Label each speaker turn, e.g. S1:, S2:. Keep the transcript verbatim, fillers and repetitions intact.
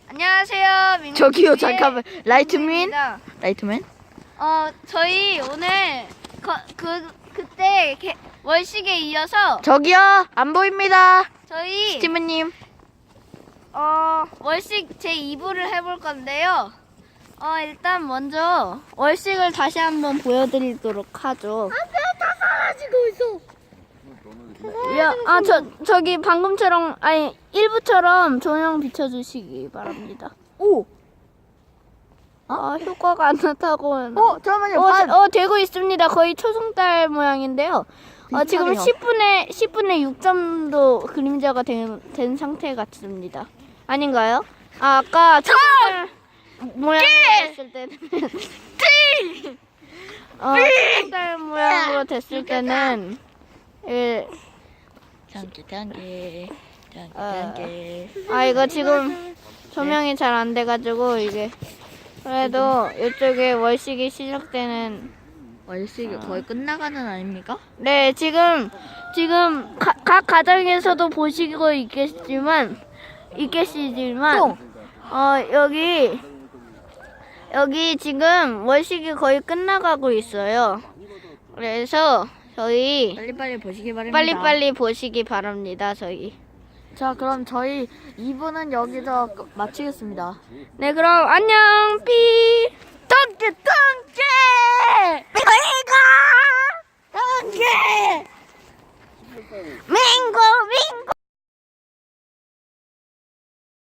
S1: 안녕하세요. 민민
S2: 저기요,
S1: 티비의
S2: 잠깐만. 라이트맨?
S1: 민민입니다.
S2: 라이트맨?
S1: 어, 저희 오늘 거, 그 그때 개, 월식에 이어서
S2: 저기요, 안 보입니다.
S1: 저희
S2: 스티브님.
S1: 어, 월식 제이 부를 해볼 건데요. 어, 일단 먼저 월식을 다시 한번 보여드리도록 하죠.
S2: 다 사라지고 있어.
S1: 야, 아, 저, 저기 방금처럼, 아니, 일부처럼 조명 비춰주시기 바랍니다.
S2: 오!
S1: 아, 효과가 안 나타고.
S2: 어, 잠깐만요.
S1: 어,
S2: 반.
S1: 어, 되고 있습니다. 거의 초승달 모양인데요. 어, 지금
S2: 비슷하네요.
S1: 십 분에, 십 분에 육 점도 그림자가 된, 된 상태 같습니다. 아닌가요? 아, 아까 초승달 모양으로 됐을 때는. 어, 초승달 모양으로 됐을 때는, 예,
S2: 단계, 단계. 단계,
S1: 어.
S2: 단계.
S1: 아, 이거 지금 조명이 잘 안 돼가지고, 이게. 그래도 이쪽에 월식이 시작되는.
S2: 월식이 거의 끝나가는 아닙니까?
S1: 네, 지금, 지금 가, 각 가정에서도 보시고 있겠지만, 있겠지만, 어, 여기, 여기 지금 월식이 거의 끝나가고 있어요. 그래서 저희
S2: 빨리빨리 보시기 바랍니다.
S1: 빨리빨리 보시기 바랍니다, 저희.
S2: 자, 그럼 저희 이 부는 여기서 끝- 마치겠습니다.
S1: 네, 그럼 안녕, 삐!